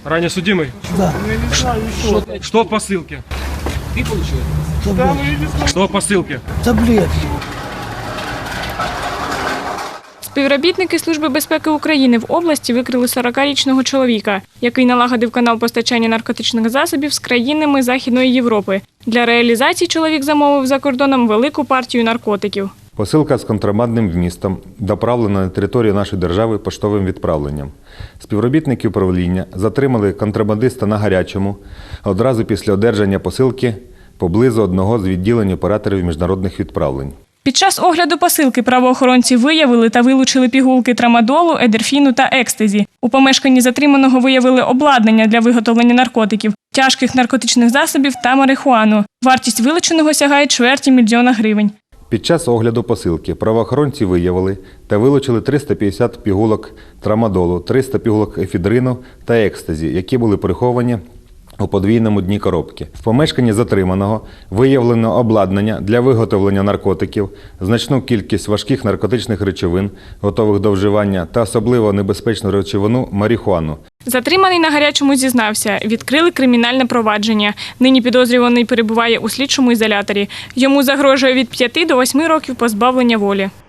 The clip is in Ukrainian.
Ранее судимый? Да. Что в посылке? Ты получил? Что в посылке? Таблетки. Співробітники Служби безпеки України в області викрили 40-річного чоловіка, який налагодив канал постачання наркотичних засобів з країнами Західної Європи. Для реалізації чоловік замовив за кордоном велику партію наркотиків. Посилка з контрабандним вмістом доправлена на територію нашої держави поштовим відправленням. Співробітники управління затримали контрабандиста на гарячому одразу після одержання посилки поблизу одного з відділень операторів міжнародних відправлень. Під час огляду посилки правоохоронці виявили та вилучили пігулки трамадолу, едерфіну та екстазі. У помешканні затриманого виявили обладнання для виготовлення наркотиків, тяжких наркотичних засобів та марихуану. Вартість вилученого сягає $250 000. Під час огляду посилки правоохоронці виявили та вилучили 350 пігулок трамадолу, 300 пігулок ефедрину та екстазі, які були приховані у подвійному дні коробки. В помешканні затриманого виявлено обладнання для виготовлення наркотиків, значну кількість важких наркотичних речовин, готових до вживання, та особливо небезпечну речовину – марихуану. Затриманий на гарячому зізнався. Відкрили кримінальне провадження. Нині підозрюваний перебуває у слідчому ізоляторі. Йому загрожує від 5 до 8 років позбавлення волі.